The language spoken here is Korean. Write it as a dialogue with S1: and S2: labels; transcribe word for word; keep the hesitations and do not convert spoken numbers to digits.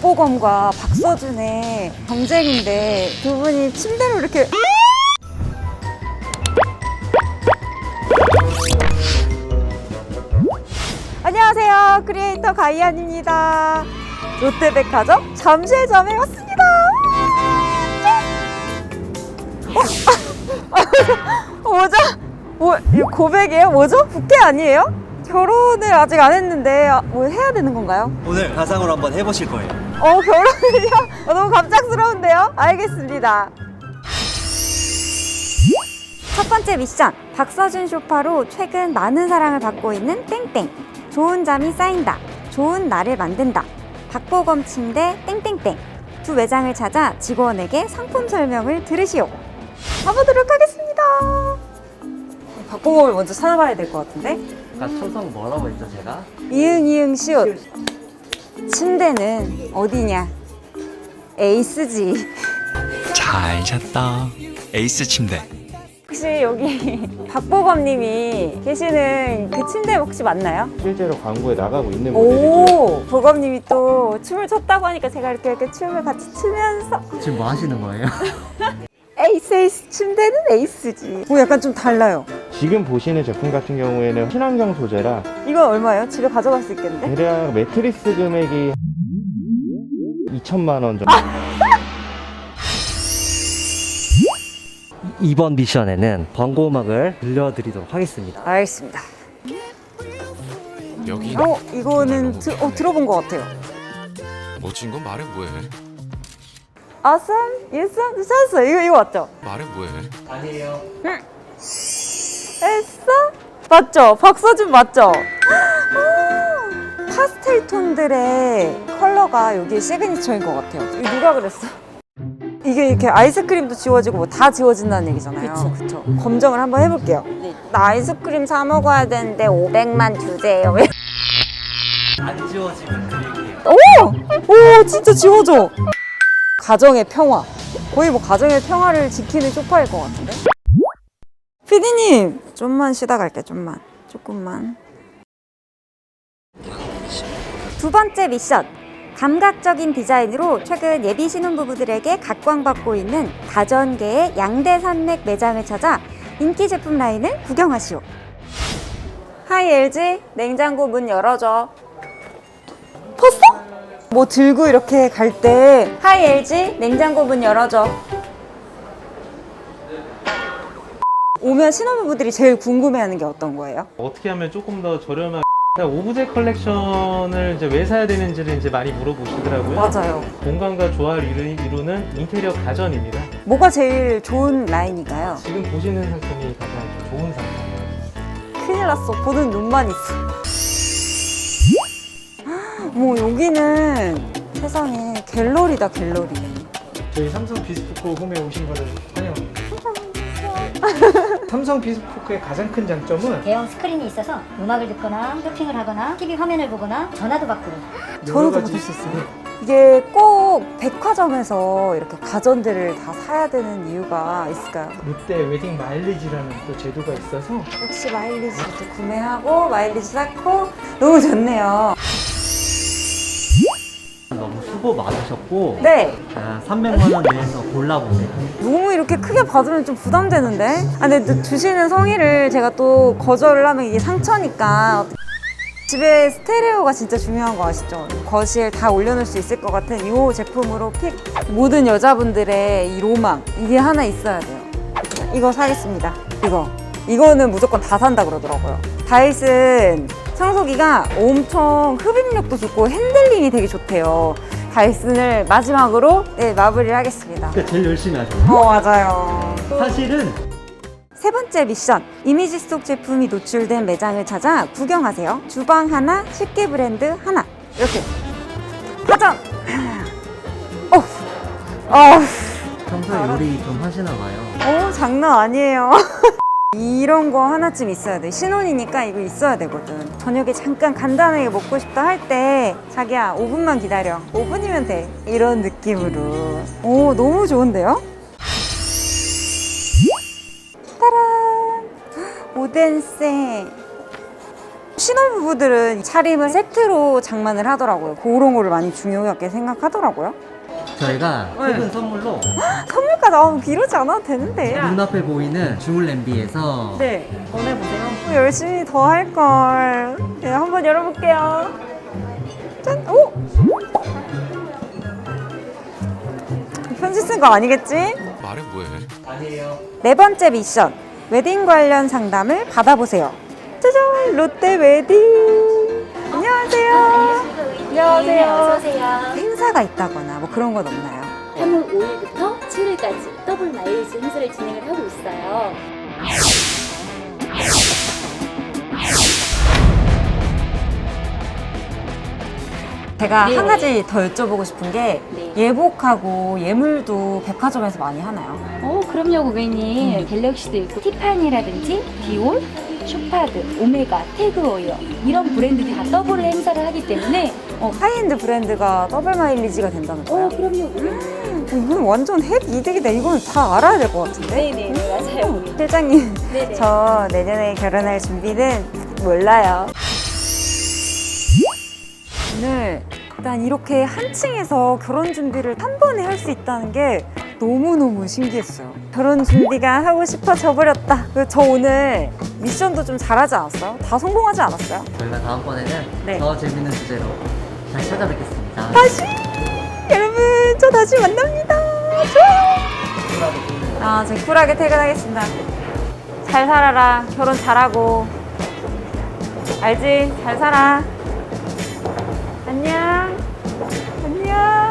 S1: 박보검과 박서준의 경쟁인데 두 분이 침대로 이렇게 안녕하세요, 크리에이터 가이안입니다. 롯데백화점 잠실점에 왔습니다. 어? 뭐죠? 뭐, 이거 고백이에요? 뭐죠? 부캐 아니에요? 결혼을 아직 안 했는데 뭐 해야 되는 건가요?
S2: 오늘 가상으로 한번 해보실 거예요.
S1: 어, 결혼을요? 어, 너무 갑작스러운데요? 알겠습니다. 첫 번째 미션, 박서준 쇼파로 최근 많은 사랑을 받고 있는 땡땡. 좋은 잠이 쌓인다, 좋은 날을 만든다, 박보검 침대 땡땡땡. 두 매장을 찾아 직원에게 상품 설명을 들으시오. 가보도록 하겠습니다. 박보검을 먼저 찾아봐야 될 것 같은데?
S2: 아까 초성 뭐라고 했죠, 제가?
S1: 이응 이응 시옷. 침대는 어디냐? 에이스지.
S3: 잘 잤다. 에이스 침대.
S1: 혹시 여기 박보검님이 계시는 그 침대 혹시 맞나요?
S4: 실제로 광고에 나가고 있는 모델이고요.
S1: 오, 보검님이 또 춤을 췄다고 하니까 제가 이렇게, 이렇게 춤을 같이 추면서
S2: 지금 뭐 하시는 거예요?
S1: 에이스 에이스 침대는 에이스지. 오, 약간 좀 달라요.
S4: 지금 보시는 제품 같은 경우에는 친환경 소재라
S1: 이건 얼마예요? 집에 가져갈 수 있겠는데?
S4: 대략 매트리스 금액이 이천만 원 정도.
S2: 이번 미션에는 광고 음악을 들려드리도록 하겠습니다.
S1: 알겠습니다.
S3: 여기
S1: 어, 이거는 드, 어, 들어본 것 같아요.
S3: 멋진 건 말해 뭐해.
S1: Awesome, awesome, 찾았어요. 이거, 이거 맞죠?
S3: 말해 뭐해.
S2: 아니에요.
S1: 했어? 맞죠? 박서준 맞죠? 오, 파스텔 톤들의 컬러가 여기 시그니처인 것 같아요. 이거 누가 그랬어? 이게 이렇게 아이스크림도 지워지고 뭐 다 지워진다는 얘기잖아요. 그쵸. 그쵸. 검정을 한번 해볼게요. 네. 나 아이스크림 사 먹어야 되는데 오백만 주세요.
S2: 안 지워지면 드릴게요.
S1: 오! 오, 진짜 지워져. 가정의 평화. 거의 뭐 가정의 평화를 지키는 쇼파일 것 같은데? 피디님, 좀만 쉬다 갈게, 좀만. 조금만. 두 번째 미션. 감각적인 디자인으로 최근 예비 신혼부부들에게 각광받고 있는 가전계의 양대 산맥 매장을 찾아 인기 제품 라인을 구경하시오. 하이 엘지, 냉장고 문 열어줘. 봤어? 뭐 들고 이렇게 갈 때 하이 엘지, 냉장고 문 열어줘. 오면 신혼부부들이 제일 궁금해하는 게 어떤 거예요?
S5: 어떻게 하면 조금 더 저렴하게 오브제 컬렉션을 이제 왜 사야 되는지를 이제 많이 물어보시더라고요.
S1: 맞아요.
S5: 공간과 조화를 이루- 이루는 인테리어 가전입니다.
S1: 뭐가 제일 좋은 라인인가요?
S5: 지금 보시는 상품이 가장 좋은 상품이에요.
S1: 큰일 났어. 보는 눈만 있어. 뭐 여기는 세상에 갤러리다, 갤러리.
S6: 저희 삼성 비스포크 홈에 오신 거를 환영합니다. 삼성 비스포크의 가장 큰 장점은
S7: 대형 스크린이 있어서 음악을 듣거나 쇼핑을 하거나 티비 화면을 보거나 전화도 받고
S1: 전화도 받을 수 있어요. 이게 꼭 백화점에서 이렇게 가전들을 다 사야 되는 이유가 있을까요?
S6: 롯데 웨딩 마일리지라는 또 제도가 있어서
S1: 혹시 마일리지도 구매하고 마일리지 쌓고 너무 좋네요.
S2: 너무 수고 많으셨고
S1: 네.
S2: 자, 삼백만 원 내에서 골라보세요.
S1: 너무 이렇게 크게 받으면 좀 부담되는데? 아, 근데 또 주시는 성의를 제가 또 거절을 하면 이게 상처니까. 집에 스테레오가 진짜 중요한 거 아시죠? 거실 다 올려놓을 수 있을 것 같은 이 제품으로 픽. 모든 여자분들의 이 로망, 이게 하나 있어야 돼요. 이거 사겠습니다. 이거. 이거는 무조건 다 산다 그러더라고요. 다이슨 청소기가 엄청 흡입력도 좋고 핸들링이 되게 좋대요. 다이슨을 마지막으로 네, 마무리를 하겠습니다.
S2: 제일 열심히 하세요.
S1: 어, 맞아요.
S2: 사실은
S1: 세 번째 미션, 이미지 속 제품이 노출된 매장을 찾아 구경하세요. 주방 하나, 식기 브랜드 하나. 이렇게 가전! 어, 어,
S2: 평소에 요리 좀 하시나 봐요.
S1: 어, 장난 아니에요. 이런 거 하나쯤 있어야 돼. 신혼이니까 이거 있어야 되거든. 저녁에 잠깐 간단하게 먹고 싶다 할 때 자기야 오 분만 기다려. 오 분이면 돼. 이런 느낌으로. 오, 너무 좋은데요? 따란! 오덴세 신혼부부들은 차림을 세트로 장만을 하더라고요. 그런 거를 많이 중요하게 생각하더라고요.
S8: 저희가
S1: 네.
S8: 최근 선물로
S1: 선물까지 나오면 이러지 않아도 되는데.
S8: 눈앞에 보이는 주물 냄비에서
S1: 네, 꺼내보세요. 열심히 더 할걸. 네, 한번 열어볼게요. 짠! 오! 편지 쓴 거 아니겠지?
S3: 말해 뭐해?
S8: 아니에요.
S1: 네 번째 미션. 웨딩 관련 상담을 받아보세요. 짜잔! 롯데 웨딩! 안녕하세요. 안녕하세요.
S9: 어서오세요.
S1: 행사가 있다거나 뭐 그런 건 없나요?
S9: 삼월 오일부터 칠일까지 더블 마일리지 행사를 진행을 하고 있어요.
S1: 제가
S9: 네.
S1: 한 가지 더 여쭤보고 싶은 게
S9: 네.
S1: 예복하고 예물도 백화점에서 많이 하나요?
S9: 어, 그럼요, 고객님. 갤럭시도 있고, 티파니라든지, 디올, 슈파드, 오메가, 태그오이어 이런 브랜드들이 다 더블 행사를 하기 때문에
S1: 어, 하이엔드 브랜드가 더블 마일리지가 된다는 거예요?
S9: 어, 그럼요, 고객님.
S1: 이건 완전 핵 이득이다. 이건 다 알아야 될 것 같은데?
S9: 네네, 맞아요, 고객님.
S1: 실장님,
S9: 네네.
S1: 저 내년에 결혼할 준비는 몰라요. 오늘 일단 이렇게 한 층에서 결혼 준비를 한 번에 할 수 있다는 게 너무너무 신기했어요. 결혼 준비가 하고 싶어져 버렸다. 그리고 저 오늘 미션도 좀 잘하지 않았어요? 다 성공하지 않았어요?
S8: 저희가 다음번에는
S1: 네.
S8: 더 재밌는 주제로 다시 찾아뵙겠습니다.
S1: 다시! 여러분, 저 다시 만납니다. 좋아요! 아, 저 쿨하게 퇴근하겠습니다. 잘 살아라. 결혼 잘하고. 알지? 잘 살아. 안녕. 안녕.